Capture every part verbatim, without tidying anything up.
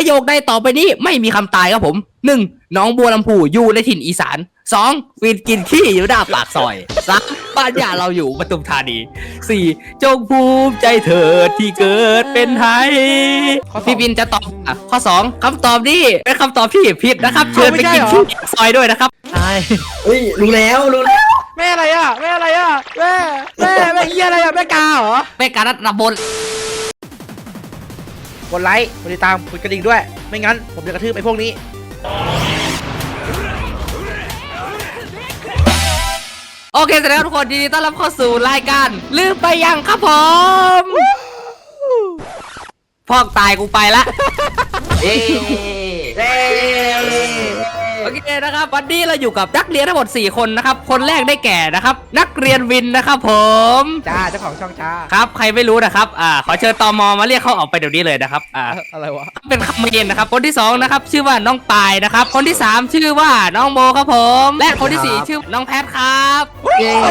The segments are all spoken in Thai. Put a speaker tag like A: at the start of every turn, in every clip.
A: โยคใดต่อไปนี้ไม่มีคำตายครับผมหนึ่งน้องบัวลำพูอยู่ในถิ่นอีสานสองวินกินขี้อยู่หน้าปากซอยสามบ้านญาเราอยู่ปทุมธานีสี่จงภูมิใจเถิดที่เกิดเป็นไทยพี่บินจะตอบอ่ะข้อสองคำตอบนี้เป็นคำตอบที่ผิดนะครับเชิญไปกินขี้ซอยด้วยนะครับใช่
B: เฮ้ยรู้แล้วรู้แล้ว
C: แม่อะไรอ่ะแม่อะไรอ่ะแม่แม่แม่เฮียอะไรอ่ะแม่กาเหรอ
A: เป็นการรับบน
C: กดไลค์กดติดตามกดกระดิ่งด้วยไม่งั้นผมจะกระทืบไอ้พวกนี้
A: โอเคเสร็จแล้วทุกคนยินดีต้อนรับเข้าสู่รายการลืมไปยังครับผมพอกตายกูไปละเย้โอเคนะครับวันนี้เราอยู่กับนักเรียนทั้งหมดสี่คนนะครับคนแรกได้แก่นะครับนักเรียนวินนะครับผม
C: จ้าเจ้าของช่องจ้า
A: ครับใครไม่รู้นะครับอ่าขอเชิญตม.มาเรียกเขาออกไปเดี๋ยวนี้เลยนะครับอ่า
C: อะไรวะ
A: เป็นคำเมนนะครับคนที่สองนะครับชื่อว่าน้องปายนะครับคนที่สามชื่อว่าน้องโมครับผมและคนที่สี่ชื่อน้องแพทครับเย้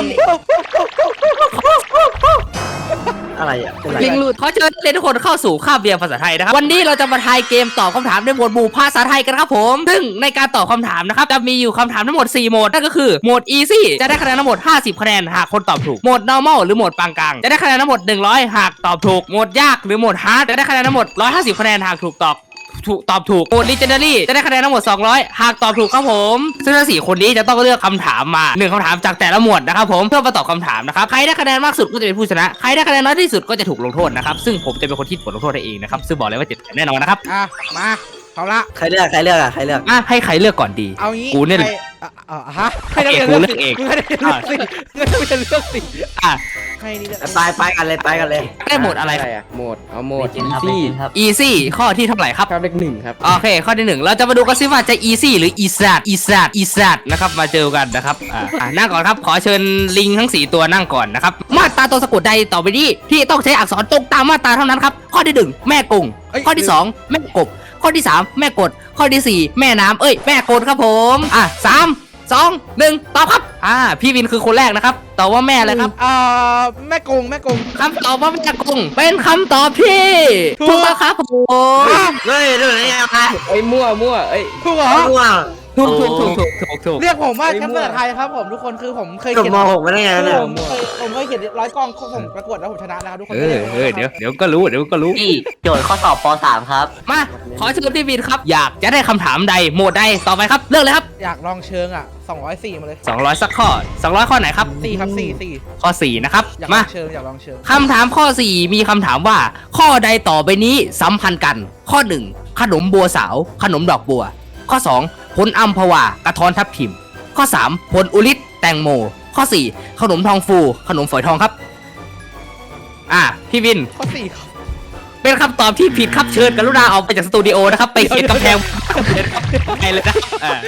B: อะไรอ่ะ
A: ลิงหลุดขอเชิญเรียนทุกคนเข้าสู่คาบเรียนภาษาไทยนะครับวันนี้เราจะมาทายเกมตอบคำถามในหมวดหมู่ภาษาไทยกันครับผมซึ่งในการตอบคำถามนะครับจะมีอยู่คำถามทั้งหมดสี่โหมดนั่นก็คือโหมด easy จะได้คะแนนทั้งหมดห้าสิบคะแนนหากคนตอบถูกโหมด normal หรือโหมดปานกลางจะได้คะแนนทั้งหมดหนึ่งร้อยหากตอบถูกโหมดยากหรือโหมด hard จะได้คะแนนทั้งหมดหนึ่งร้อยห้าสิบคะแนนหากถูกตอบถูกตอบถูกโหมด legendary จะได้คะแนนทั้งหมดสองร้อยหากตอบถูกครับผมซึ่งทั้งสี่คนนี้จะต้องเลือกคำถามมาหนึ่งคำถามจากแต่ละหมวดนะครับผมเพื่อมาตอบคำถามนะครับใครได้คะแนนมากสุดก็จะเป็นผู้ชนะใครได้คะแนนน้อยที่สุดก็จะถูกลงโทษนะครับซึ่งผมจะเป็นคนที่บทลงโทษให้เองนะครับซึ่งบอกเลยว่าเจ็บแน่นอนนะครับ
C: อ่ะมาเอาละ
B: ใครเลือกใครเลือกอ่ะใครเลือก
A: อ่ะให้ใครเลือกก่อนดี
C: เอางี้
A: กูเนี่ย
C: อ่ะฮะให้นักเรียนเลือกเองให้นักเรียนเลือกสิให้นักเรียนเลือกสิ
A: อ่ะ
C: ให้นี่เลือก
B: ไปไปกันเลยไปกันเลย
A: ได้โหมดอะไร
D: อ่ะโหมดเอาโหมด easy
A: easy ข้อที่เท่าไหร่ครับ
D: ครับเลขหนึ่งครับ
A: โอเคข้อที่หนึ่งเราจะมาดูกันซิว่าจะ easy หรือ easy easy easy นะครับมาเจอกันนะครับอ่านั่งก่อนครับขอเชิญลิงทั้งสี่ตัวนั่งก่อนนะครับมาตราตัวสะกดใดต่อไปนี้ที่ต้องใช้อักษรตรงตามมาตราเท่านั้นครับข้อที่หนึ่งแม่กงข้อที่สองแม่กบข้อที่สามแม่กดข้อที่สี่แม่น้ำเอ้ยแม่กดครับผมอ่ะสามสองหนึ่งตอบครับอ่าพี่วินคือคนแรกนะครับตอบว่าแม่เลยครับ
C: อ่าแม่กงแม่กง
A: คำตอบว่าแม่กงเป็นคำตอบที่ถูกต้องครับผม
B: เฮ้ยเรื่องอะไรอ่ะ
D: เอ้ยมั่วมั่วเอ้ย
C: ถูกเหรอ
B: มั่ว
A: ถูกถูกถูกถูกถูกถูก
C: เรียกผมว่าแชมป์ภาษาไทยครับผมทุกคนคือผมเคย
B: เขียนม.หกมาได้ไงเนี่ย
C: ผมเคยผมเคยเขียนร้อยกองผมประกวดแล้วผมชนะนะครับทุกคน
A: เออเออเดี๋ยวเดี๋ยวก็รู้เดี๋ยวก็รู้
E: พี่โจทย์ข้อสอบป .สาม ครับ
A: มาขอเชิญพี่วินครับอยากจะได้คำถามใดโหมดใดต่อไปครับเลือกเลยครับ
C: อยากลองเชิงอ่ะสองร้อยสี่มาเลย
A: สองร้อยสักข้อสองร้อยข้อไหนครับ
C: สี่ครับสี่สี่
A: ข้อสี่นะครับ
C: มาเชิงอยากลองเชิง
A: คำถามข้อสี่มีคำถามว่าข้อใดต่อไปนี้สัมพันธ์กันข้อหนึ่งขนมบัวสาวขนมดอกบัวข้อสองผลอัมพวากระท้อนทับทิมข้อสามผลอุลิตแตงโมข้อสี่ขนมทองฟูขนมฝอยทองครับอ่ะพี่วิน
C: ข้อสี่
A: เป็นคำตอบที่ผิดครับเชิญกรุณาออกไปจากสตูดิโอนะครับไปเขียนกำแพงไปเลยนะ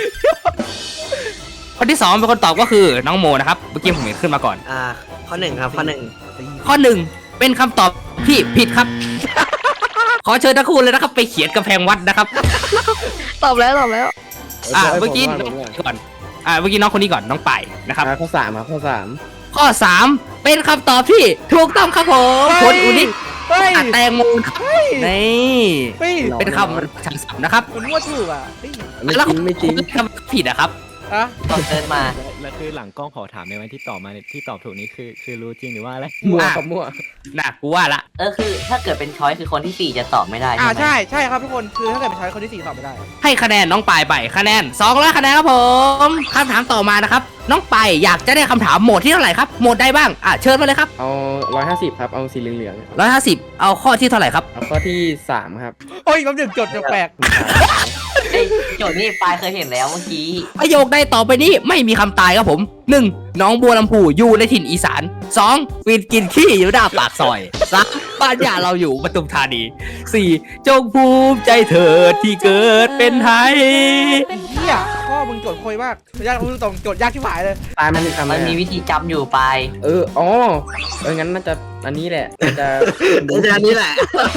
A: คนที่สองเป็นคนตอบก็คือน้องโมนะครับเมื่อกี้ผมเห็นขึ้นมาก่อน
B: อ่าข้อหนึ่งครับข้อหนึ่ง
A: ข้อหนึ่งเป็นคำตอบที่ผิดครับขอเชิญทั้งคู่เลยนะครับไปเขียนกำแพงวัดนะครับ
F: ตอบแล้วตอบแล้ว
A: อ่าเมื่อกี้ก่อนอ่าเมื่อกี้น้องคนนี้ก่อนน้องป่ายนะครับ
D: ข้อสามครับข้อสาม
A: ข้อสามเป็นคำตอบที่ถูกต้องครับผมผลอุนิแตงโมนี่เป็นคำฉันสับนะครับ
C: คุณว่าถูกอ่ะ
A: แล้วไม่จริงคำผิดอะครับ
C: อะ
E: ตอบเดินมา
G: แล้วคือหลังกล้องขอถามในวันที่ตอบมาที่ตอบถูกนี้คือคือรู้จริงหรือว่าอะไร
D: มั่วกับมั่ว
A: น่ะกูว่าละ
E: เออคือถ้าเกิดเป็นช้อยคือคนที่สี่จะตอบไม่ได้
C: อ่าใช่ใช่ครับทุกคนคือถ้าเกิดเป็นช้อยคนที่สี่ตอบไม่ได้
A: ให้คะแนนน้องปายไปคะแนนสองร้อยคะแนนครับผมคำถามต่อมานะครับน้องปายอยากจะได้คำถามโหมดที่เท่าไหร่ครับโหมดใดบ้างอ่ะเชิญมาเลยครับ
D: เอาร้อยห้าสิบครับเอาสีเหลือง
A: ๆร้อยห้าสิบเอาข้อที่เท่าไหร่ครับ
D: เอาข้อที่สามครับ
C: โอ้ยมันหนึ่งจดจะแปลก
E: ไอ้โจทย์นี่ปายเคยเห็นแล้วเมื่อกี้
A: ประโยคใดต่อไปนี้ไม่มีคำตายครับผมหนึ่งน้องบัวลำพูอยู่ในถิ่นอีสานสองวินกินขี้อยู่หน้าปากซอยสามบ้านญาเราอยู่ปทุมธานีสี่จงภูมิใจเถิดที่เกิดเป็นไทย
C: เฮียพ่อมึงโจทย์โคยมากยากพูดตรงโจทย์ยากที่หายเลย
D: ตายมันมีคำ
E: มันมีวิธีจำอยู่ปาย
D: เอออ๋อเอองั้นน่าจะอันนี้แหละจะ
B: อันนี้แหละ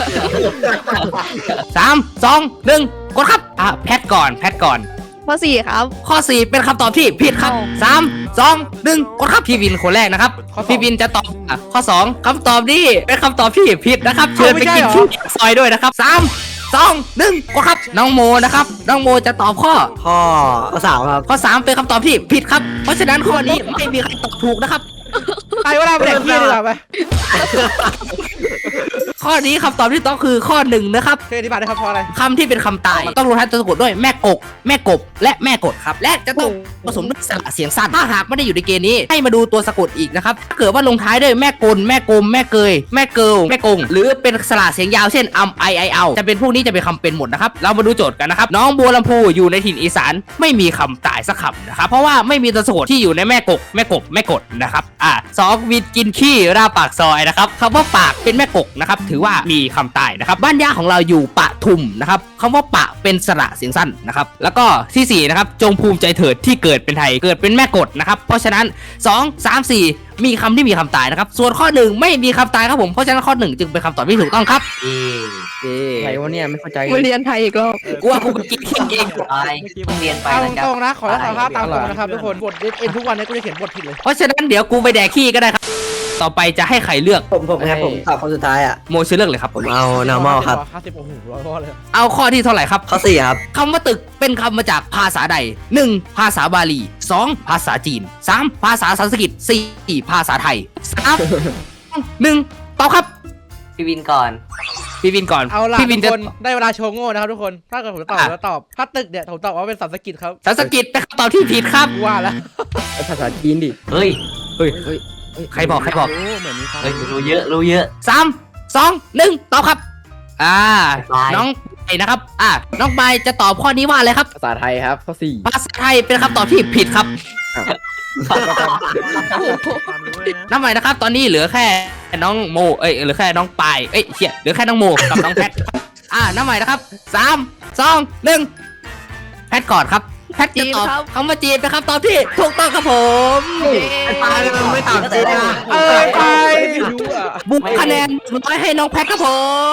A: สามสองหนึ่งกดครับอ่ะแพทก่อนแพทก่อน
F: ข้อสี่ครับ
A: ข้อสี่เป็นคำตอบที่ผิดครับสามสองหนึ่งกดครับพี่วินคนแรกนะครับพี่วินจะตอบข้อสองคำตอบนี้เป็นคำตอบที่ผิดนะครับเชิญไปกินขี้ซอยด้วยนะครับสามสองหนึ่งกดครับน้องโมนะครับน้องโมจะตอบข้อ
B: ข้อข้อสามครับ
A: ข้อสามเป็นคำตอบที่ผิดครับเพราะฉะนั้นข้อนี้ไม่มีใครตอบถูกนะครับ
C: ไปเวลาไปแดกขี้ดีกว่าไป
A: ข้อนี้คำตอบที่ต้องคือข้อหนึ่งนะครับ
C: เคยอธิบายได้ครับเพราะอะไร
A: คำที่เป็นคำตายต้องลงท้ายตัวสะกดด้วยแม่กกแม่กบและแม่กดครับและจะต้องผสมด้วยสระเสียงสั้นถ้าหากไม่ได้อยู่ในเกณฑ์นี้ให้มาดูตัวสะกดอีกนะครับถ้าเกิดว่าลงท้ายด้วยแม่กลแม่กลมแม่เกยแม่เกิลแม่กงหรือเป็นสระเสียงยาวเช่นอัมไอไอเอาจะเป็นพวกนี้จะเป็นคำเป็นหมดนะครับเรามาดูโจทย์กันนะครับน้องบัวลำพูอยู่ในถิ่นอีสานไม่มีคำตายสักคำนะครับเพราะว่าไม่มีตัวสะกดที่อยู่ในแม่กกแม่กบแม่กดนะครับอ่าสองวิดกินขี้ราปากซอยนะครับคำว่าปากเป็นแม่กกนะครับถือว่ามีคำตายนะครับบ้านย่าของเราอยู่ปะทุมนะครับคำว่าปะเป็นสระเสียงสั้นนะครับแล้วก็ที่สี่นะครับจงภูมิใจเถิดที่เกิดเป็นไทยเกิดเป็นแม่กดนะครับเพราะฉะนั้นสอง สาม สี่มีคำที่มีคำตายนะครับส่วนข้อหนึ่งไม่มีคำตายครับผมเพราะฉะนั้นข้อหนึ่งจึงเป็นคำตอบที่ถูกต้องครับ
E: เอ๊ะ
A: เอ๊
D: อะไรวะเนี่ยไม่เข้าใจ
F: มาเรียนไทยอีกรอบ
A: กูว่ากูไปกินขี้เอง
E: ไปเพิ่งเรียนไป
C: เอา
E: นะครับ
C: ตรงๆนะขอรับสารภาพตามตรงนะครับทุกคนบทเอ็นทุกวันนี้กูจะเขียนบทผิดเลย
A: เพราะฉะนั้นเดี๋ยวกูไปแดกขี้ก็ได้ครับต่อไปจะให้ใครเลือก
B: ผมผมครับผมตอบคนสุดท้ายอ่ะ
A: โมชื่อเลือกเลยครับ
B: ผมเอา normal ครับ
C: ห้าสิบโอ้โหร้อยข้อเลย
A: เอาข้อที่เท่าไหร่ครับ
B: ข้อสี่ครับ
A: คำว่าตึกเป็นคำมาจากภาษาใด หนึ่ง ภาษาบาลี สอง ภาษาจีน สาม ภาษาสันสกฤต สี่ ภาษาไทย สาม หนึ่งตอบครับ
E: พี่วินก่อน
A: พี่วินก่อน
C: เอาล่ะ
A: พี่วิ
C: ทุ
A: น
C: ก
A: จะ
C: คนได้เวลาโชว์โง่นะครับทุกคนถ้าเกิดผมจะตอบ
A: อ่ะ
C: แล้วตอบถ้าตึกเนี่ยผมตอบว่าเป็นสันสกฤตครับ
A: สันสกฤตเป็นคำตอบที่ผิดครับ
C: กูว่าแล้ว
D: ภาษาจีนดิ
E: เฮ้ย
A: เฮ้ยเฮ้ยใครบอกใครบอก
G: รู้เหมือนมีความ
E: เฮ้ยรู้เยอะรู้เยอะ
A: สามสองหนึ่งตอบครับ อ่า
E: บาย
A: น้องไปนะครับ อ่าน้องใบจะตอบข้อนี้ว่าอะไรครับ
D: ภาษาไทยครับข้อสี่
A: ภาษาไทยเป็นคำตอบที่ผิดครับ
G: ความรู้เลยนะ
A: น้ำใหม่นะครับ ตอนนี้เหลือแค่น้องโม เอ้ยเหลือแค่น้องปายเอ้ยเชี่ยเหลือแค่น้องโมกับน้องแพท อ่าน้ำใหม่นะครับสามสองหนึ่งแพทก่อนครับแพทจะตอบคำว่าจีนเป็นคำตอบที่ถูกต้องครับผม
B: ไอ้ปลาเนี่ยมันไม่ตอบจริงอ่ะ
C: เออไปไม่รู้อ่ะ
A: บุกคะแนนร้อยให้น้องแพทครับผม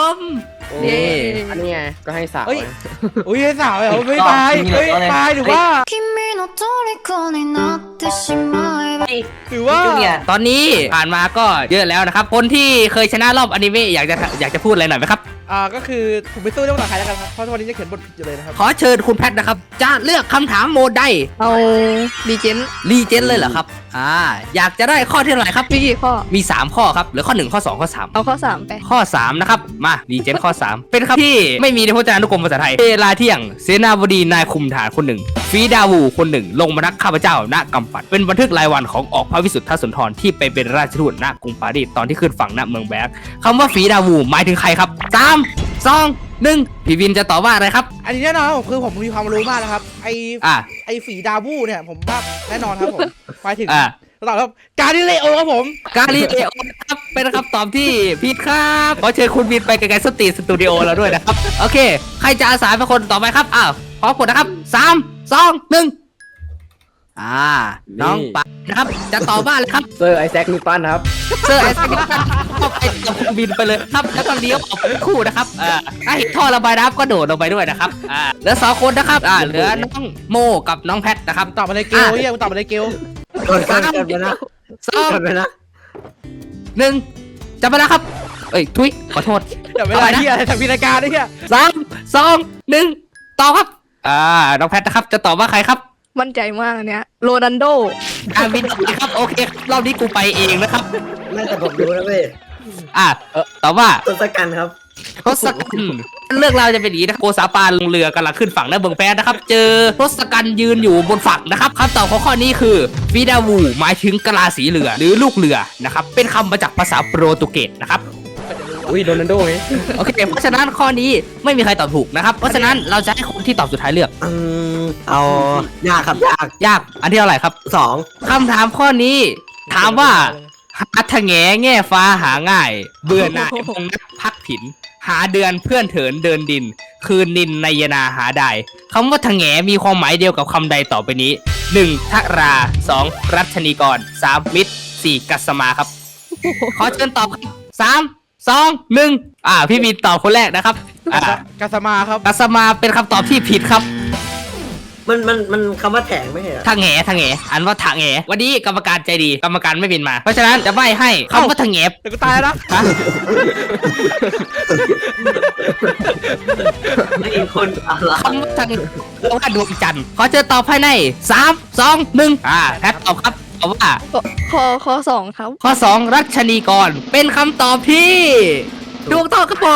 A: นี่
D: อันนี้ไงก็ให้สาว
C: เฮ้ย
D: นะ
C: อุ้ยไอ้สาวเหรอไม่ตายเฮ้ยตายหรือว่า
H: 君の虜になってしまえば
C: หรือว่า
E: จูเนียร์
A: ตอนนี้ผ่านมาก็เยอะแล้วนะครับ คนที่เคยชนะรอบอนิเมะอยากจะอยากจะพูดอะไรหน่อยไหมครับ
C: อ่าก็คือผมไปสู้เรื่องภาษาไทยแล้วกันครับเพราะทุกวันนี้จะเขียนบทผิดอยู่เลยนะครับ
A: ขอเชิญคุณแพทนะครับ จะเลือกคำถามโหมดใด
F: เอาดีเจน
A: รีเจนเลยเหรอครับ อ่า อยากจะได้ข้อที่เท่าไหร่ครับ
F: มีกี่ข้อ
A: มี สาม ข้อครับเหรือข้อหนึ่งข้อสองข้อสาม
F: เอาข้อสามไป
A: ข้อ สาม นะครับ มารีเจนข้อ สาม เป็นคำที่ไม่มีในพจนานุกรมภาษาไทยเวลาเที่ยงเสนาบดีนายคุมฐานคนหนึ่งฟีดาวูคนหนึ่ง ลงมานักข้าพเจ้าณกำปัดเป็นบันทึกรายวันของออกพระวิสุทธสุนทรที่ไปเป็นราชทูตณกรุงปารีสตอนที่ขึ้นฝั่งณเมืองแบกคำว่าฟีดาวูหมายถึงใครครับสาม สอง หนึ่งพี่วินจะตอบว่าอะไรครับ
C: อันนี้แน่นอนครับผมคือผมมีความรู้มากนะครับไอ
A: อ่า
C: ไอฝีดาวูเนี่ยผมว่าแน่นอนครับผมหมายถึง
A: อ่า
C: ตอบครับการดิเลโอครับผม
A: กาลิเลโอครับเป็นคำตอบที่ผิดครับขอเชิญคุณวินไปไกลๆสตรีทสตูดิโอเราด้วยนะครับ โอเค ใครจะอาสาเป็นคนต่อไปครับอ้าวพร้อมกดนะครับสาม สอง หนึ่งอ่า น้องปะนะครับ จะตอบว่าอะไรครับ
D: เซอร์ไอแซคนิวตันครับ
A: เซอร์ไอแซคนิวตันเข้าไปกับคุณวินไปเลยครับ แล้วก็เลี้ยวออกเป็นคู่นะครับอ่าถ้าเห็นท่อระบายน้ำก็โดดลงไปด้วยนะครับอ่าเหลือสองคนนะครับอ่าเหลือน้องโมกับน้องแพทนะครับ
C: ตอบมาเลยเกลเฮียมึงตอบมาเลยเกล
B: โดนกันกันไปนะ
A: สอง
B: กันไปนะ
A: หนึ่งจับเวลาครับ เอ้ยทุยขอโทษ
C: เดี๋ยวเวลาเฮียอะไรทำพิธีการด้วยเฮีย
A: สามสองหนึ่งตอบครับ อ่า น้องแพทนะครับ จะตอบว่าใครครับ
F: มั่นใจมากอันเนี้ยโรนันโด
A: ดาวินครับ โอเคครับรอบนี้กูไปเองนะครับ
B: ไม่แต่ผมรู้นะเว้ย
A: อ่าเออตอบว่า
B: ทศกัณฐ์ครับ
A: ทศกัณฐ์เรื่องราวจะเป็นอย่างนี้นะครับโกษาปานลงเรือกำลังขึ้นฝั่งหน้าเมืองแพทนะครับ เจอทศกัณฐ์ยืนอยู่บนฝั่งนะครับคำตอบของข้อนี้คือฟีดาวูหมายถึงกะลาสีเรือหรือลูกเรือนะครับ เป็นคำมาจากภาษาโปรตุเกสนะครับ
D: อุ้ยโรนัลโดไง
A: โอเค เพราะฉะนั้นข้อนี้ไม่มีใครตอบถูกนะครับ เพราะฉะนั้นเราจะให้คนที่ตอบสุดท้ายเลือก
B: อืมเอายากครับยาก
A: ยาก อันที่เท่าไหร่ครับ
B: สอง
A: คำถามข้อนี้ ถามว่าหาทะแงแง่ฟ้าหาง่าย เบื่อหน่ายพงนักพักผิน หาเดือนเพื่อนเถินเดินดิน คืนนินในยนาหาได้คำว่าทะแงมีความหมายเดียวกับคำใดต่อไปนี้ หนึ่ง ทราสอง รัชนีกร สาม มิตร สี่ กัสมาครับ ขอเชิญตอบครับสาม สอง หนึ่งอ่า พี่มีตอบคนแรกนะครับอ่า
C: กาสมาครับ
A: กัสมาเป็นคำตอบที่ผิดครับ
B: มันมันมันคำว่าแถงไม่ใช่เหรอ
A: ทางแหทางแหอันว่าทางแหวันนี้กรรมการใจดีกรรมการไม่บินมา เพราะฉะนั้นจะใบ้ให้คำว่าทางแห
C: เดี๋ยวกูตายแล้วนะ
A: ฮะ
E: ไม่มีคนอะไร
A: คำว่าทางว่าดวงจันทร์ขอเจอตอบภายในสามสองหนึ่งอ่าแพทตอบครับตอบว่า
F: ข้อข้อสองครับ
A: ข้อสองรัชนีกรเป็นคำตอบที่ถูกต้องครับผม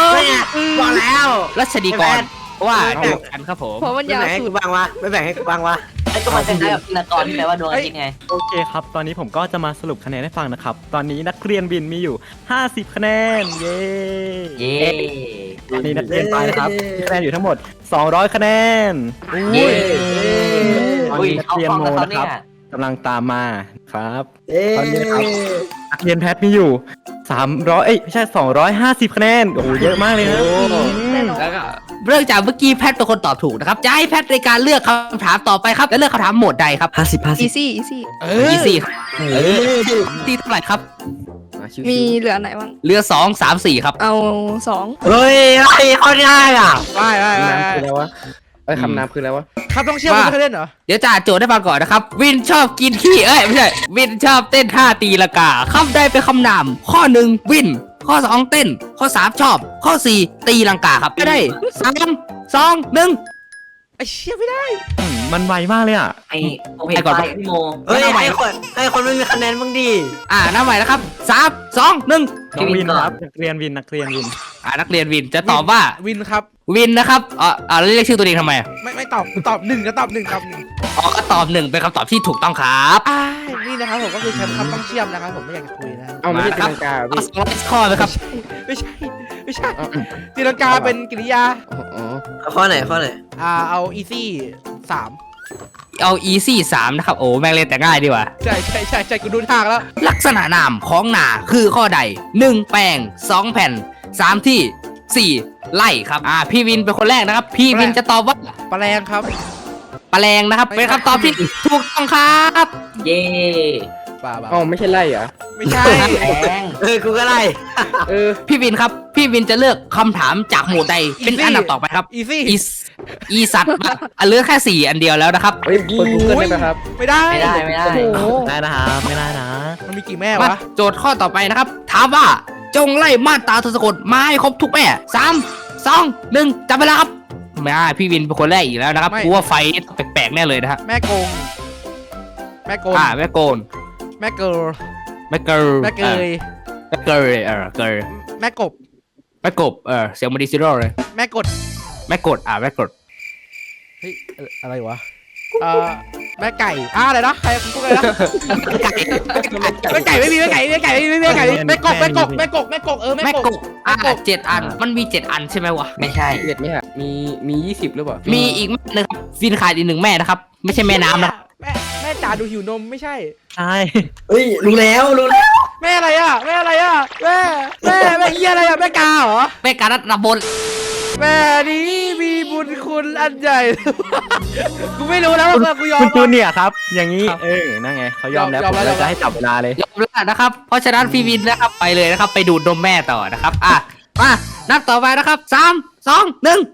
B: บอกแล้ว
A: รัชนีกรว่าดวงจันทร์ครับผม
F: เพราะมัน
B: ไม่
F: ยาว
B: แบ่งให้
F: สุ
B: กู
F: ด
B: บ้างวะไม่แบ่งให้กูบ้างวะ
E: ไอ้ก็มันคล้ายๆกับพินากรที่แปลว่าดวงอาทิตย์ไง
G: โอเคครับ ตอนนี้ผมก็จะมาสรุปคะแนนให้ฟังนะครับ ตอนนี้นักเรียนบินมีอยู่ ห้าสิบ คะแนน เย้
E: เย้
G: ตอนนี้นักเรียนไปนะครับมีคะแนนอยู่ทั้งหมด สองร้อย คะแนน
E: เย้
G: ตอน
E: อุ้ย
G: นี้นัก
E: เอา
G: เรียน
E: ฟัง
G: โม
E: กับเขา
G: นะ
E: เนี่
G: ครั
E: ย
G: บกำลังตามมาครับ
B: เอ้
G: ตอนนี้ครับ นักเรียนแพทมีอยู่ สามร้อย เอ้ยไม่ใช่ สองร้อยห้าสิบ คะแนน โอ้โหเยอะมากเลยนะ
F: แน่นอน
A: แล้วก็เรื่องจากเมื่อกี้แพทเป็นคนตอบถูกนะครับจะให้แพทในการเลือกคำถามต่อไปครับและเลือกคำถามโหมดใดครับ
B: ห้าสิบห้าสิ
F: อี
B: บ
F: ซี่อีซี่
C: เอ
A: อี
C: อ
A: ซี่
B: เออ
A: ตีเท่าไหร่ครับ
F: มีเหลือไหนบ้าง
A: เรือสองสามสี่ครับ
F: เอาสอง
B: เฮ้ยไอ้เขาได้อ่ะ
C: ไปไปไป
D: คำนามคืออะไรวะเอ้ยคำนามคืออะไรวะ
C: คำต้องเชื่อม
A: ว่า
C: มึงเคยเล่นเหรอ
A: เดี๋ยวจ่าโจทย์ได้ฟังก่อนนะครับ วินชอบกินขี้เอ้ยไม่ใช่ วินชอบเต้นท่าตีละกาคำใดเป็นคำนามข้อหนึ่งวิน ข้อสองเต้น ข้อสามชอบ ข้อสี่ตีลังกาครับไม่ได้สามสองหนึ่ง
C: ไอ้เชี่ยไม่ได้
G: อืมมันไวมากเลยอ่ะ
E: ไอ้ผมเห็นไปพี่โม
B: เฮ้ยไอ้คนไอ้คนไม่มีคะแนนบ้างดิ
A: อ่าน้ำใหม่นะครับสามสองหนึ่ง
G: น้องวิน
E: ก่อน
G: ครับ นักเรียนวิน นักเรียนวิน
A: อ่านักเรียนวินจะตอบว่า
C: วินครับ
A: วินนะครับอ่าอ่าแล้วเรียกชื่อตัวเองทำไมอ่ะ
C: ไม่ไม่ตอบตอบหนึ่งก็ตอบหนึ่งตอบหนึ่ง
A: อ๋อก็ตอบหนึ่งเป็นคำตอบที่ถูกต้องครับ
C: อ้ายนี่นะครับผมก็คือแชมป์คำต้องเชื่อมนะครับผมไม่อยากจะคุยนะครับ
D: เอาไม่ใช่ตีลังกาเหรอ
A: ข้อ
D: พี่
A: สองร้อยข้อไหมครับ
C: ไม่ใช่ไม่ใช่
D: เอา
C: ตีลังกาเป็นกริยา
D: อ๋ออ๋อ
B: เอาข้อไหนข้อไหน
C: อ่าเอาอีซี่สาม
A: เอา easy สามนะครับโอ้แม่งเล่นแต่ง่ายดีกว่า
C: ใช่ใช่ใช่ใช่กูดูทางแล้ว
A: ลักษณะนามของนาคือข้อใดหนึ่งแปลงสองแผ่นสามที่สี่ไล่ครับอ่าพี่วินเป็นคนแรกนะครับ พี่วินจะตอบว่า
C: แปลงครับ
A: แปลงนะครับ เป็นคำตอบที่ถูกต้องครับ
E: เย้
C: ป่าป่า
D: อ๋อไม่ใช่ไล่เหรอ
C: ไม่ใช่
E: แพง
B: เออกูก็ไล่
D: เออ
A: พี่วินครับ พี่วินจะเลือกคำถามจากหมวดใดเป็นอันดับต่อไปครับ
C: อีซี่
A: อีสอีสัตว์อ่ะเหลือแค่สี่อันเดียวแล้วนะครับ
D: เฮ้ยเปิดกูเกิลได้ไหมครับ
C: ไม่ได้
E: ไม่ได้ไม่ได้
F: โอ้โห
G: ได้นะครับ ไม่ได้นะ
C: มันมีกี่แม่
A: มาว
C: ะ
A: โจทย์ข้อต่อไปนะครับ ถามว่าจงไล่มาตราทศกฎมาให้ครบทุกแม่สามสองหนึ่งจับเวลาครับไม่ได้พี่วินเป็นคนแรกอีกแล้วนะครับกูว่าไฟนี่แปลกๆแน่เลยนะฮะ
C: แม่โกง แม่โกง
A: อ่าแม่โกน
C: แม่เกิร์ล
A: แม่เกิร์ล
C: แม่เกย
A: แม่เกิร์ลเออเกิร์ล
C: แม่กบ
A: แม่กบเออเสียงมันดีซิโร่เลย
C: แม่กด
A: แม่กดอ่าแม่กด
C: เฮ้ยเอ่ออะไรวะเอ่อแม่ไก่อ่าอะไรนะใครพูดอะไรนะแม่ไก่ไม่มีแม่ไก่แม่ไก่ไม่มีแม่ไก่แม่กบแม่กบแม่กบแม่กบเออ
A: แม่
C: แม่
A: ก
C: ก
A: บบ อ่า
C: แม่กบ
A: เจ็ดอันมันมีเจ็ดอันใช่ไหมวะ
E: ไม่ใช่
D: เจ็ดไหมฮะมีมียี่สิบหรือเปล่า
A: มีอีกแม่หนึงครับฟินขาดอีกหนึ่งแม่นะครับไม่ใช่แม่น้ำนะ
C: แม่แม่จ๋าดูหิวนมไม่ใช่
G: ใช่
B: เฮ้ยรู้แล้วรู้แล้ว
C: แม่อะไรอ่ะแม่อะไรอ่ะแม่แม่แม่เฮียอะไรอ่ะแม่กาเหรอ
A: แม่การัตนบน
C: แม่นี้มีบุญคุณอันใหญ่ กูไม่รู้แล้วว่ากูยอม
G: คุณจูเนียร์ครับ อย่างนี้ เออ นั่นไง เขายอมแล้ว
C: ยอ
G: ผม ม
C: แล้ว
G: เลยจะให้จับเวลาเลย
A: ยอมแล้วนะครับ เพราะฉะนั้นพี่วินนะครับไปเลยนะครับ ไปดูดนมแม่ต่อนะครับอ่ะมานับต่อไปนะครับสามสองหนึ่ง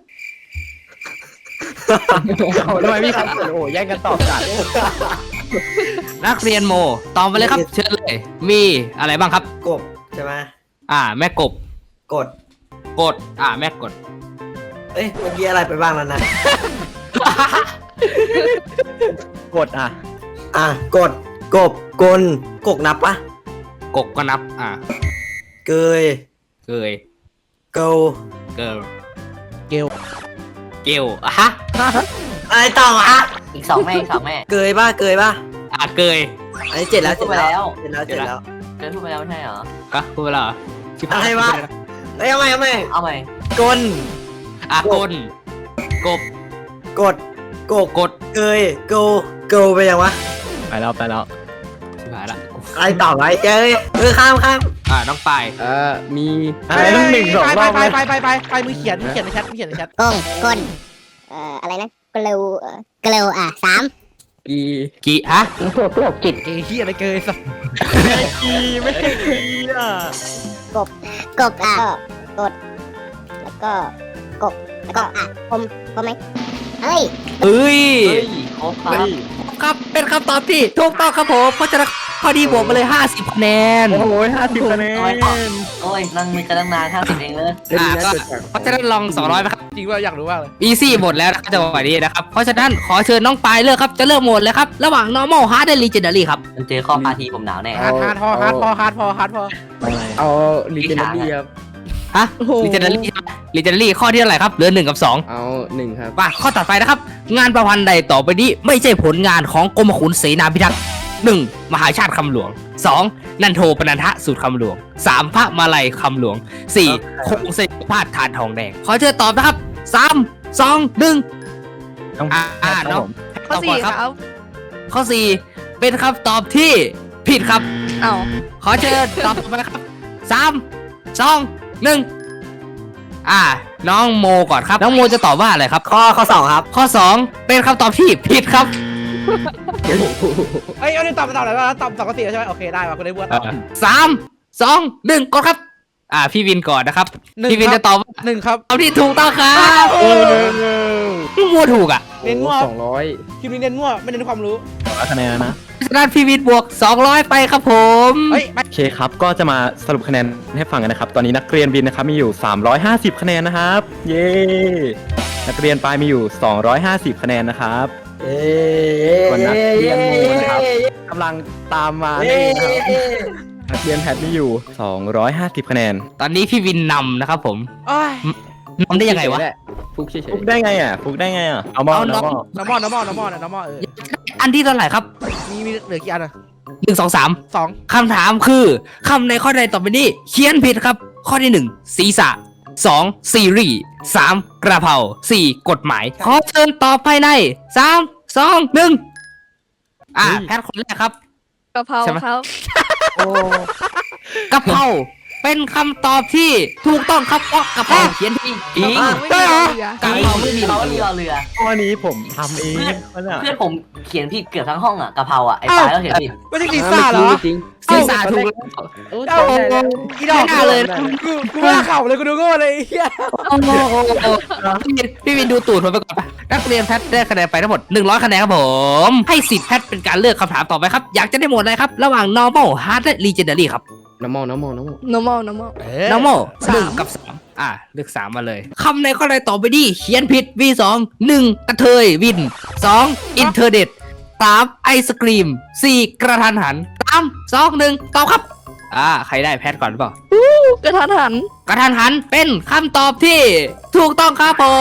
G: ทำไมพี่ครับโอ้โหแย่งกันตอบจัด
A: นักเรียนโมตอบมาเลยครับเชิญเลยมีอะไรบ้างครับ
B: กบใช่ไหม
A: อ่า แม่กบ
B: กด
A: กดอ่าแม่กด
B: เอ้ยเมื่อกี้อะไรไปบ้างแล้วนะ
G: กดอ่ะ
B: อ่ะกดกบกลกกนับปะ
A: กบก็นับอ่า
B: เกย
A: เกย
B: เกล
A: เกิล
C: เกล
A: เกลอ่ะฮะ
B: อะไรต่อวะ
E: อีกสองแม่อีกสองแม่
B: เกยป่ะเกยป่ะ
A: อ่าเกย
B: อันนี้เจ็ดแล้ว
E: พู
B: เจ็
E: ด
B: ด
E: ไป
B: แล้ว
E: แล้ว
B: เจ็ดแล้วเจ็ดแล้ว
E: เกินพูดไปแล้วไม่ใช่เหรอ
A: ก็พูดไปแล้วเหรอชิบหาย
B: อะไรวะ เอ้ยเอาใหม่เอาใหม่
E: เอาใหม่
B: กล
A: อ่ะกลกบ
B: กดกก
A: กด
B: เกยเกลเกลไปยังวะ
G: ไปแล้วไปแล้ว
A: ชิบหายละ
B: อะไรต่อไว้เอ้ยเออข้ามข้าม
A: อ่าน้องปาย
D: เอ่อมี
G: อะไรต้องหนึ่งสองรอบ
C: ไป
G: เลย
C: ไปไปไปไปมือเขียนมือเขียนในแชทมือเขียนในแชท
I: กงกลเอ่ออะไรนะกเลวเอ่อกเลวอ่ะสาม
D: กี
A: กี่ฮะ
F: พวกโรคจิต
C: เอ้ยเฮียอะไรเกยสัส
G: ไม่กีไม่กีอ่ะ
I: กบอ่ะก็กด แล้วก็กบแล้วก็อ่ะพรมพรมไหมพเฮ้ย
A: เอ้ย
E: เฮ้ยครบครับ
A: ครับเป็นคำตอบที่ถูกต้องครับผมเพราะฉะนั้นข้อดีบวกมาเลยห้าสิบคะแนน
G: โอ้โหห้าสิบคะแนน
E: โอ้ยนั่งนึกกันตั้งนานห้าสิบเองเลย
D: เดี๋ยว
A: อ่า
D: นี้นะ
A: ก็
D: จดจาก
A: เพราะฉะนั้นลองสองร้อยไหมครับ
C: จริงว่าอยากรู้มากเลย
A: อีซี่หมดแล้วนะครับจังหวะนี้นะครับ เพราะฉะนั้นขอเชิญน้องปายเลือกครับ จะเลือกโหมดเลยครับ ระหว่าง normal hard และ legendary ครับ
E: มันเจอข้อพาทีผมหนาวแน่
C: ฮาร์ดฮาร์ดพอฮาร์ดพอฮาร์ดพอฮาร์ดพอ
D: เอาลีเจนดารี่ครับ
A: ฮะ legendary legendary ข้อที่เท่าไหร่ครับ เหลือหนึ่งกับสอง
D: เอาหนึ่งครับ
A: มาข้อต่อไปนะครับ งานประพันธ์ใดต่อไปนี้ไม่ใช่ผลงานของกรมขุนเสนาพิทักษ์หนึ่งมหาชาติคำหลวงสองนันโทปนันทะสูตรคำหลวงสามพระมาลัยคำหลวงสี่คงเสกพาดทานทองแดง ขอเชิญตอบนะครับสามสองหนึ่ง
G: ต้อง
A: อ่า
G: ค
A: อ่า
G: รับ
A: เนาะ
G: ผม
F: ข้อ
A: ตอบก่
F: สี่
A: อน
F: ค
A: ค
F: รั
A: รับบ ข้อสี่เป็นคำตอบที่ผิดครับ
F: เอ้า
A: ขอเชิญตอบมานะครับสามสองหนึ่งอ่า น้องโมก่อนครับ น้องโมจะตอบว่าอะไรครับ
B: ข้อข้อสองครับ
A: ข้อสองเป็นคำตอบที่ผิดครับ
C: เอ้ยเอาเนี่ยตอบตอบอะไรวะตอบตอบข้อสี่ใช่ไหมโอเคได้ว่ะคุณได้บัวตอบ
A: สามสองหนึ่งกดครับ อ่า พี่วินก่อนนะครับ
C: หนึ่ง
A: พี่วิน
C: ครับ
A: จะตอบว่า
C: หนึ่งครับ
A: ตอบที่ถูกต้องครับพี่มัวถูกอ่ะ
C: เน้นมั่ว
D: สองร้อย
C: คลิปนี้เน้นมั่วไม่เน้นความรู้
G: ร้อยคะแนนนะ
A: เพราะฉะนั้นพี่วินบวกสองร้อยไปครับผม
C: เฮ้ยไม่
G: โอเคครับ ก็จะมาสรุปคะแนนให้ฟังกันนะครับ ตอนนี้นักเรียนบินนะครับมีอยู่ สามร้อยห้าสิบ คะแนนนะครับ เย้ นักเรียนปลายมีอยู่ สองร้อยห้าสิบ คะแนนนะครับ
B: เอ้
G: ส่วนนักเรียนโมนะครับกำลังตามมานี่นะครับนักเรียนแพทมีอยู่ สองร้อยห้าสิบ คะแนน
A: ตอนนี้พี่วินนำนะครับผม
C: โอ้ย
A: นำได้ยังไงวะ
D: ฟุกเฉย
G: ฟุกได้ไงอ่ะฟุกได้ไงอ่ะ เอามอ
A: เอา
G: เอามอ
C: น้ำมอน้ำมอน้ำมอน้ำมอเออ
A: อันที่เท่าไหร่ครับ
C: มีมีเหลือกี่อันอ่ะ
A: หนึ่งสองสาม
C: สอง
A: คำถามคือคำในข้อใดต่อไปนี้ เขียนผิดครับ ข้อที่หนึ่งศีรษะสองซีรีส์สามกระเพราสี่กฎหมาย ขอเชิญตอบภายในสามสองหนึ่งอ่าแพทย์คนแรกครับ
F: กะเพรา
A: ใช่ไหม
F: ครับ
A: กะเพราเป็นคำตอบที่ถูกต้องครับเพราะกะเพราเขียนผิดจริง
F: ไม่มีเหลือก
A: ะเพราไม่มี
E: เขาเรือเรือ
G: ข้อนี้ผมทำเองวะเนี่ย
E: เพื่อนผมเขียนผิดเกือบทั้งห้องอ่ะกะเพราอ่ะไอ้ปลายก็เขียนผิด
C: ไม่ใช่
D: ๆ
C: ลิซ่าเหรอ
D: จริง
A: ศีรษะถูกแล้ว
D: โอ้
C: เอ้า
D: ได้ได้
C: อีดอก
A: ไม่น่าเลย
C: กูกูไม่น่าเข่าเลยกูดูโง่เลยไอ้เหี้ย
A: โอ้โหพี่วินพี่วินดูตูดผมไปก่อนไปนักเรียนแพทย์ได้คะแนนไปทั้งหมดหนึ่งร้อยคะแนนครับผม ให้สิทธิ์แพทย์เป็นการเลือกคำถามต่อไปครับ อยากจะได้หมวดอะไรครับ ระหว่าง normal hard และ legendary ครับ
D: น้ำมอน้ำมอน้ำมอ
F: normal normal
A: normal
F: สาม
A: หนึ่งกับสามอ่ะเลือกสามมาเลยคำในข้อใดต่อไปดีเขียนผิด วี สองหนึ่งกระเทยวินสองอินเทอร์เน็ตสามไอศกรีมสี่กระทันหันสามสองหนึ่งตอบครับอ่าใครได้แพทย์ก่อนหรือเปล่า
F: กระทันหัน
A: กระทันหันเป็นคำตอบที่ถูกต้องครับผม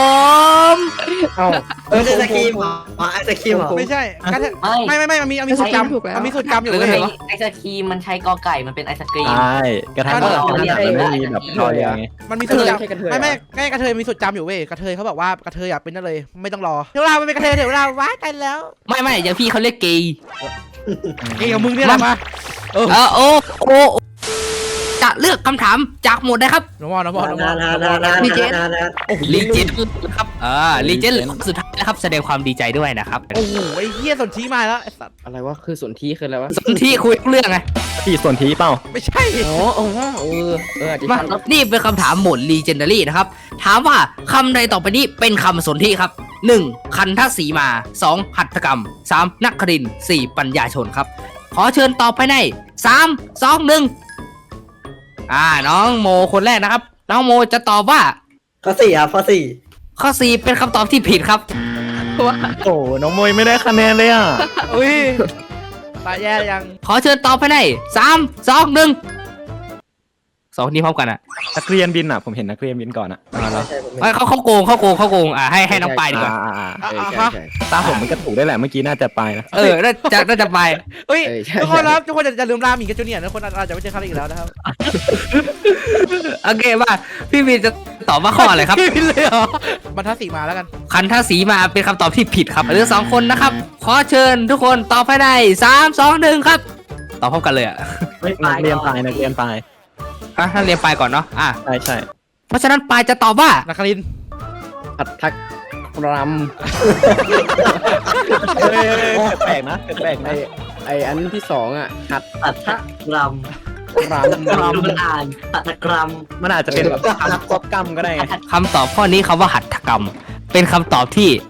D: เอ้า
B: เออไอศครีมเหรออ๋อไอศครีมเหรอ
C: ไม่ใช่กระเทย
E: ไม่
C: ไม่ไม่ไม่มันมีมันมีสูตรจำมันมีสูตรจำอยู่
A: หรือ
C: เว้ย
A: ไง
E: ไอ้
A: วะ
E: ไอศครีมมันใช้กอไก่มันเป็นไอศกรีม
G: ใช่กระทั่ง
C: ก็
G: กระ
C: เรา
G: ทั่ง
E: เรียน
G: มันไม่มีแบบทอเรียงไง
C: มันมีสูตร
D: ไม่
C: จำ
D: ใช่กระเทย
C: ไม่ไม่ไม่กระเทยมีสูตรจำอยู่เว้ยกระเทยเขาบอกว่ากระเทยอยากเป็นนั่นเลยไม่ต้องรอเดี๋ยวเราไม่เป็นกระเทยเดี๋ยวเราว้ายกันแล้ว
A: ไม่ไม่อย่างพี่เขาเรียกเกย์
C: เกี่ยวกับมึงเนี่ยแหละมาเออ
A: เออโอ้โอ้จะเลือกคำถามจากหมวดใดครับ
C: น้ำมอน้ำมอน้ำม
B: นา
C: อน
B: านานานานานาน
A: ลีเจนครับอ่าลีเจนสุดท้ายนะครับแสดงความดีใจด้วยนะครับ
C: โอ้โหไอ้เหี้ยสนชี้มาแล้วไอ้สัตว์
D: อะไรวะคือสนที่คืออะไรวะ
A: สนที่คุยเรื่องไง
G: ที่ส่วนทีเปล่า
C: ไม่ใช่
D: อ๋ออ๋อเออเอออาจจะ
A: มา
D: ใช่
A: นี่เป็นคำถามหมวด legendary นะครับ ถามว่าคำใดต่อไปนี้เป็นคำสนธิครับ หนึ่ง คันทศีมา สอง หัตถกรรม สาม นักครินทร์ สี่ ปัญญาชนครับ ขอเชิญตอบภายในสาม สอง หนึ่งอ่า น้องโมคนแรกนะครับ น้องโมจะตอบว่า
B: ข้อสี่ครับข้อสี่
A: ข้อ สี่ เป็นคำตอบที่ผิดครับ
F: ว่า
G: โอ้น้องมวยไม่ได้คะแนนเลยอ่ะ
C: อุ้ยตายแย่ยัง
A: ขอเชิญตอบภายในสาม สอง หนึ่งสองนี้พร้อมกันอ่ะ
G: นักเรียนบินอ่ะ ผมเห็นนักเรียนบินก่อนอ่ะ
A: เอ้ยเขาเขาโกงเขาโกงเขาโกงอ่าให้ให้น้องปายดีกว่า
G: อ่าอ่าอ่า
C: อ่ะ
D: เออ
C: อ่ะ
D: ใช่
C: ฮะ
D: ใช่
G: ตาผมมันก็ถูกได้แหละ เมื่อกี้น่าจะไปนะ
A: เออน่าจะน่าจะไป
C: เฮ้ย
D: เออใช่
C: ทุกคนครับทุกคนอย่าลืมรามีกับจูเนียร์นะคนอาจจะไม่เจอเขาอีกแล้วนะครับ
A: โอเคว่าพี่วินจะตอบว่าข้ออะไรครับ
C: พี่วินเลยเหรอ บรรทัดสีมาแล้วกัน
A: คันทศีมาเป็นคำตอบที่ผิดครับเหลือสองคนนะครับ ขอเชิญทุกคนตอบภายในสามสองหนึ่งครับ ตอบพร้อมกันเลยอ่ะ
G: นักเรียนตายนักเรียนตาย
A: อ่ะถ้าเรียนปลายก่อนเนาะอ่ะ
G: ใช่ใช่
A: เพราะฉะนั้นปลายจะตอบว่า
C: นักครินทร์
D: ผัดทักร
G: เฮ้ยแปลกนะแปลก
D: ำไอ
G: นะ
D: ไออันที่สองอ่ะหัด
E: อัตถกรรม
D: รำ
E: กรรมมันอ่านอัตถกรรม
G: มันอาจจะเป็นแบบคำควบกรรมก็ได้ไง
A: คำตอบข้อนี้คำว่าหัตถกรรม เป็นคำตอบที่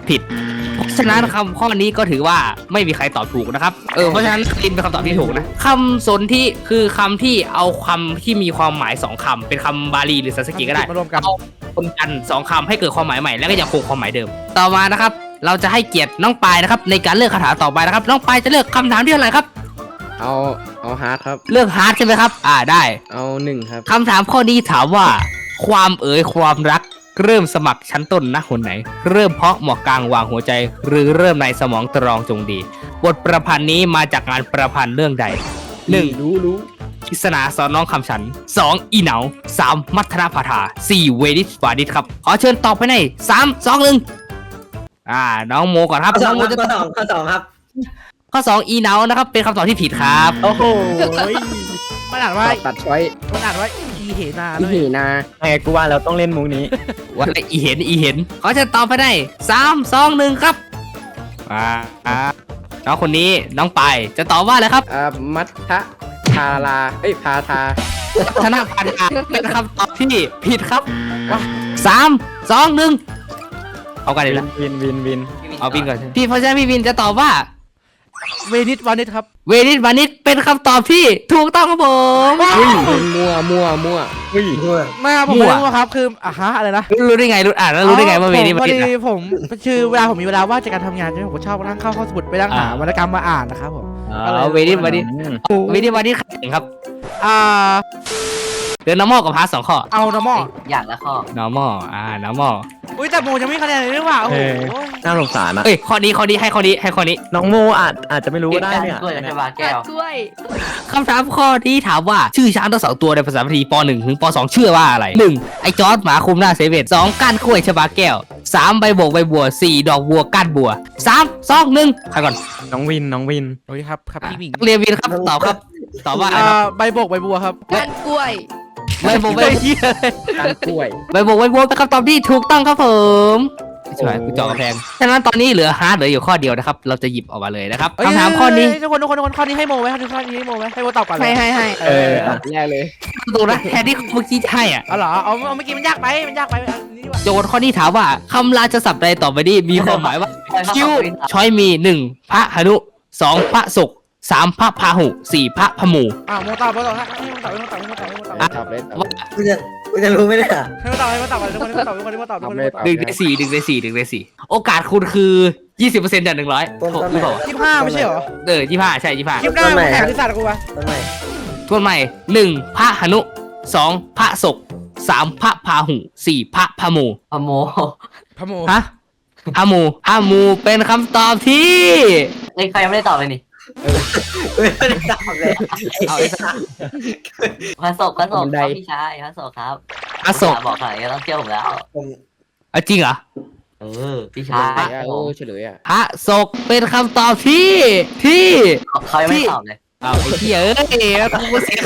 A: ผิดเพราะฉะนั้นคำข้อนี้ก็ถือว่าไม่มีใครตอบถูกนะครับเออเพราะฉะนั้นลินเป็นคำตอบที่ถูกนะคำสนธิคือคำที่เอาคำที่มีความหมายสองคำเป็นคำบาลีหรือสันสกฤตก็ได้
C: มารวมกัน
A: เอาคนกันสองคำให้เกิดความหมายใหม่แล้วก็ยังคงความหมายเดิม ต่อมานะครับ เราจะให้เกียรติน้องปายนะครับในการเลือกคำถามต่อไปนะครับน้องปายจะเลือกคำถามที่เท่าไหร่ครับ
D: เอาเอาฮาร์ดครับ
A: เลือกฮาร์ดใช่ไหมครับอ่าได้
D: เอาหนึ่งครับ
A: คำถามข้อนี้ถามว่า ความเอ๋ยความรักเริ่มสมัครชั้นต้นณหนไหน เริ่มเพาะหมอกกลางวางหัวใจ หรือเริ่มในสมองตรองจงดีบทประพันธ์นี้มาจากงานประพันธ์เรื่องใดหนึ่ง
D: รู้รู้
A: กิษณาสอนน้องคำฉัน สอง อีเหนา สาม มัทนาพาธา สี่ เวดิสวาดิสครับ ขอเชิญตอบไปในสาม สอง หนึ่งอ่า น้องโมก่อนครับ
B: ข้อส
A: น้
B: อ
A: อง งโม
B: ครับ
A: จะ
B: ข้อสองข้อสองครับ
A: ข้อสองอีเหนานะครับ เป็นคำตอบที่ผิดครับ
G: โอ้โห
C: มันอ่านว่า
D: ตัดช้อย
C: มันอ่านว่าอีเหนา
D: อี
C: ด้วย
D: หีนา
G: ไงกูว่าเราต้องเล่นมุกนี้
A: ว่าอีเห็น อีเห็น ขอเชิญตอบไปในสาม สอง หนึ่งครับอ่าอ่าน้องคนนี้ น้องปายจะตอบว่าอะไรครับ
D: อ่ามัทธะพาราเอ้ยพาทา
A: ธนาพันธ์เป็นคำตอบที่ผิดครับสาม สอง หนึ่งเอากันเลยละ
G: วินวินวิน
A: เอาวินก่อนพี่เพราะฉะนั้นพี่วินจะตอบว่า
C: เวนิสวานิสครับ
A: เวนิสวานิชเป็นคำตอบที่ถูกต้องครับผม
D: มั่วมั่วมั่ว
G: อุ้ย
C: ไม่ครับผมไม่รู้ครับคืออ่ะฮะอะไรนะ
A: รู้ได้ไงรู้อ่านแล้วรู้ได้ไงว่าเวนิส
C: พ
A: วา
C: อ
A: นิช
C: ดีผมคือเวลาผมมีเวลาว่างจากการทำงานใช่ไหมผมก็ชอบนั่งเข้าข้อสมุดไปนั่งหาวรรณกรรมมาอ่านนะครับผม
A: อ๋อเวนิสวานิชเวนิสวานิชครับ
C: อ่า
A: เดือนน้ำมอกับพาร์ทสองข้อ
C: เอานอร์มอล
E: อย่างละข้อ
A: normal อ่า normal
C: อุ้ยแต่โมยังไม่คะแนนเลยหรือเปล่าโอ้โห
G: น่าสงสารนะ
A: เอ้ยข้อนี้ข้อนี้ให้ข้อนี้ให้ข้อนี้
G: น้องโมอาจอาจจะไม่รู้ก็ได้
E: การ
G: เนี่ย
E: กล้วยกับชบาแก้ว
F: กล้วย
A: คำถามข้อที่ถามว่าชื่อช้างทั้งสองตัวในภาษาพาลีป หนึ่ง ถึงป สอง ชื่อว่าอะไร หนึ่ง ไอจอร์ดหมาคุมหน้าเซเว่น สอง ก้านกล้วยชบาแก้ว สาม ใบโบกใบบัว สี่ ดอกบัวก้านบัว สาม สอง หนึ่งใครก่อน
G: น้องวินน้องวิน
C: โอ้ยครับครับพี่หมิง
A: นักเรียนวินครับตอบครับตอบว่าอะไร
C: อ่า
A: ครับ
C: ใบโบกใบบัวครับ
F: ก้านกล้วย
A: ใบโบกใบ
C: เฮีย
D: การกล้วย
A: ใบโบกใบบัวเป็นคำตอบที่ถูกต้องครับผมใช่ไหมกูเจาะกระแพงฉะนั้นตอนนี้เหลือฮาร์ดเหลืออยู่ข้อเดียวนะครับเราจะหยิบออกมาเลยนะครับคำถามข้อนี้
C: ทุกคนทุกคนทุกคนข้อนี้ให้โมไหมข้อนี้ให้โมไหมให้โมตอบก่อนเลย
F: ให้ให้ให้
G: เอออ่ะ
D: แรกเลย
A: ดูนะแทนที่เมื่อกี้จะให้อ่ะ
C: เอาเหรอเอาเอาเมื่อกี้มันยากไปมันยากไปอันนี้ดีกว่า
A: โจทย์ข้อนี้ถามว่าคำราชศัพท์ใดต่อไปนี้มีความหมายว่า คิวช้อยมีหนึ่งพระหนุสองพระศุกร์สามพระพาหุสี่พระพมู
C: อ่าโมตอบโมตอบให้โมตอบให้โมตอบให้โมตอบให้โมตอบให้โมตอบ
D: ตอบเลยตอบ
A: ว่า
B: กูจะกูจะรู้ไหมเนี่ย
C: ให้โมตอบให้โมตอบทุกคนให้โมตอบทุกคนให้โมตอบทุกคนให้โมตอบ
A: หนึ่งในสี่หนึ่งในสี่หนึ่งในสี่โอกาสคุณคือยี่สิบเปอร์เซ็นต์จากหนึ่งร้อย
B: ต้นต้น
A: หรือเปล่า
C: ยี่สิบห้าไม่ใช่เหรอ
A: เออยี่ห้าใช่ยี่ห้า
C: คลิปหน้ามึงแข่งที่ศาสตร์กูวะ
B: ต้นใหม่
A: ทวนใหม่หนึ่งพระหนุสองพระศุกร์สามพระพาหุสี่พระพมู
E: พโม
C: พะโม
A: ฮะพมูพมูเป็นคำตอบที่
E: เอ้ยใครยังไม่ได้ตอบเลยนี่
B: ไม่ได้ตอบเลย
A: เอาไอ้สัส
E: พระศกพระศกครับพี่ชายพระศกครับ
A: พระศุกร์
E: บอกใครก็ต้องเชื่อผมแล้ว
B: ผม
A: เอาจริงเหรอ
E: เออพี่
D: เฉ
E: ชา
D: ล
E: ย
D: ยอ่ะเออเฉลยอ่ะ
A: พระศุกร์เป็นคำตอบที่ที่
E: เขายังไม่ได้ตอบเลย
A: เอาไอ้เหี้ยเอ้ยแล้วกูเสีย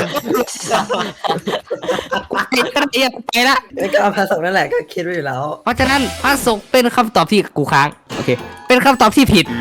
A: ไอ้กระเดียบไปละ
B: แล้วก็เอาภาษานั่นแหละก็คิดไว้อยู่แล้ว
A: เพราะฉะนั้นพระศุกร์เป็นคำตอบที่กูค้างโอเคเป็นคำตอบที่ผิด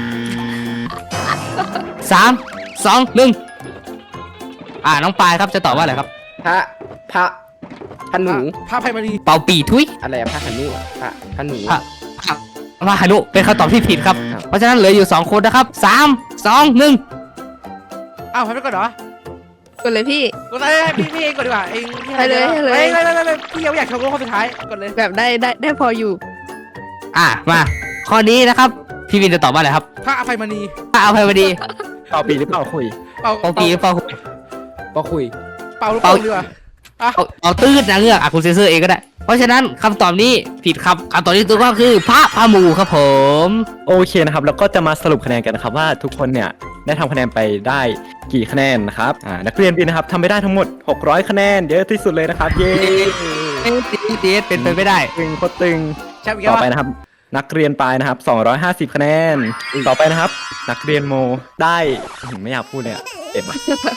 A: สามสองหนึ่งอ่าน้องปายครับจะตอบว่าอะไรครับ
D: พระพระพระหนู
C: ภาพไพมารี
A: เป่าปีทุย
D: อะไรอะพระหนูอะพระพระหนู
A: พระ พระหนุเป็นคำตอบที่ผิดครับ
D: ครับ
A: เพราะฉะนั้นเหลืออยู่สองคนนะครับสามสองหนึ่ง
C: อ้าวให้ไปก่อนเหรอก
F: ดเลยพี่
C: กดเลยพี่พี่เองก่อนดีกว่าเองพี่
F: ให้เลยให้เลย
C: ฮ้เลยเลยเลยพี่ยังไม่อยากโชว์ข้อสุดท้ายกดเลย
F: แบบได้ได้ได้พออยู่
A: อ่ะมาข้อนี้นะครับพี่วินจะตอบว่าอะไรครับ
C: พระอภัยมณี
A: ถ้าเอาไปพอดี
G: ตอบปีหรือเปล่าคุย
C: เป่า
A: เป่าปีหรือเป่าหุย
D: ปอคุย
C: เป่าลูกโป่งดีกว่า
A: เอาเอาตื้นนะเงือกอ่ะคุณเซนเซอร์เองก็ได้ เพราะฉะนั้นคำตอบนี้ผิดครับคำตอบที่ถูกต้องคือพระพามูครับผม
G: โอเคนะครับแล้วก็จะมาสรุปคะแนนกันนะครับว่าทุกคนเนี่ยได้ทำคะแนนไปได้กี่คะแนนนะครับอ่านักเรียนบินนะครับทำไปได้ทั้งหมดหกร้อยคะแนนเยอะที่สุดเลยนะครับเย้
A: เอ๊ะตีเดสเป็นไปไม่ได้
G: ตึงโคตรตึง
C: แชมป์อีก
G: ต่
C: แล้ว
G: อไปนะครับ นักเรียนปลายนะครับสองร้อยห้าสิบคะแนนต่อไปนะครับ นักเรียนโมได้อื้อหือไม่อยากพูดเลยอะเจ็บอะ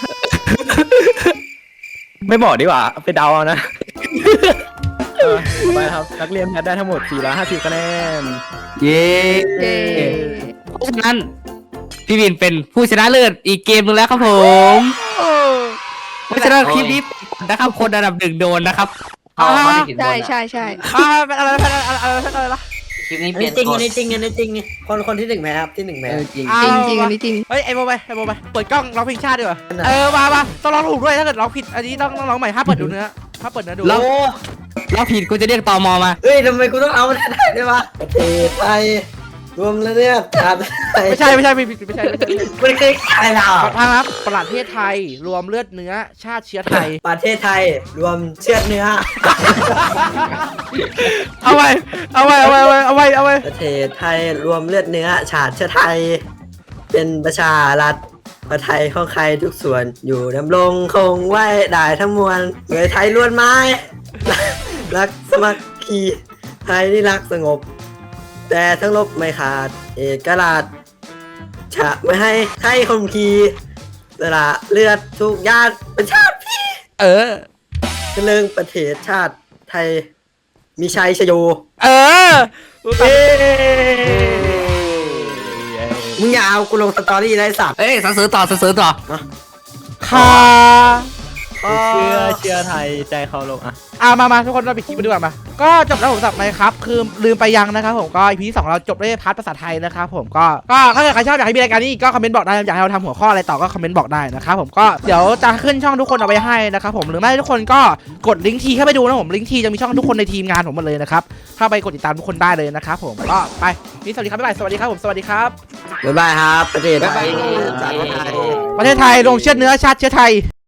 G: ไม่บอกดีกว่าไปเดาเอานะ เออต่อไปนะครับนักเรียนแพทย์ได้ทั้งหมดสี่ร้อยห้าสิบคะแนน
A: เย้
F: เย้
A: เพราะฉะนั้นพี่วินเป็นผู้ชนะเลิศอีกเกมหนึงแล้วครับผม
C: โอ้
A: เพราะฉะนั้นคลิปนี้นะครับคนอันดับหนึ่งโดนนะครับ
E: เขาเขาได้กินบ
F: ใช่
E: นอะ
F: ใช่ใช่
C: อ่าเป็นอะไรเป็นอะไรอะไรอะไรอะไร
A: ค
E: ลิปนี้
B: อัน
E: เปลี่
B: นี้
E: ยน
B: จริง
E: ก
B: อั
E: ฎ
B: นนี้จริงอันนี้จริงคนคนที่หนึ่งไหมครับที่หนึ่งไหม
E: เออจริง
C: อ่ะ
F: จริงจริง
C: มา
F: อันนี้จริง
C: เฮ้ยไอโมไปไอโมไปเปิดกล้องร้องเพลงชาติดีกว่าเออมามาต้องร้องถูกด้วยถ้าเกิดร้องผิดอันนี้ต้องต้องร้องใหม่ห้ามเปิดดูเนื้อห้ามเปิดเนื้อดู
A: เราเราผิดกูจะเรียกตมมา
B: เฮ้ยทำไมกูต้องเอาได้ด้วยวะประเทศไทยรวมแล้วเนี่ยชาติไทย
C: ไม่ใช่ไม่ใช่ไม่ไม่ใช่ไม่ใช่
B: ไม่เคยอะไรเรา
C: ขอทางครับประเทศไทยรวมเลือดเนื้อชาติเชื้อไทย
B: ประเทศไทยรวมเชื้อเนื้อ
C: เอาไว้เอาไว้เอาไว้เอาไว้เอาไว้เอาไว้
B: ประเทศไทยรวมเลือดเนื้อชาติเชื้อไทย เป็นประชารัฐประไทยของใครทุกส่วนอยู่ดำรงคงไว้ได้ทั้งมวลเงยไทยล้วนไม้ รักสมัครคีไทยนี่รักสงบ แต่ทั้งลบไม่ขาดเอกราชชะไม่ให้ใครคมขีสละเลือดทุกญาติเป็นชาติพี่
C: เออ
B: เรื่องประเทศชาติไทยมีชัยชโย
C: เออ
B: เอ้มึงอย่าเอากูลงสตอรี่ได้สัตว์
A: เอ้ยสันเสริญต่อสันเสริญต่อ
C: ค่ะ
G: เชื่อเชื่อไทยใจเขาลงอ่ะ
C: อ่ะมามาทุกคนเราไปคลิปมาดีกว่ามาก็จบแล้วผมสำหรับไหมครับคือลืมไปยังนะครับผมก็อีพีที่สองเราจบด้วยพาร์ทภาษาไทยนะครับผมก็ก็ถ้าเกิดใครชอบอยากให้มีรายการนี้อีกก็คอมเมนต์บอกได้อยากให้เราทำหัวข้ออะไรต่อก็คอมเมนต์บอกได้นะครับผมก็เดี๋ยวจะขึ้นช่องทุกคนเอาไว้ให้นะครับผมหรือไม่ทุกคนก็กดลิงก์ทีเข้าไปดูนะผมลิงก์ทีจะมีช่องทุกคนในทีมงานผมหมดเลยนะครับเข้าไปกดติดตามทุกคนได้เลยนะครับผมก็ไปนี่สวัสดีครับบ๊ายบายสวัสดีครับผมสวัสดีครับ
B: บ๊ายบายครับประเทศไทยชาติไทย
C: ประเทศไทยรวมเชื้อเนื้อชาติเชื้อไทย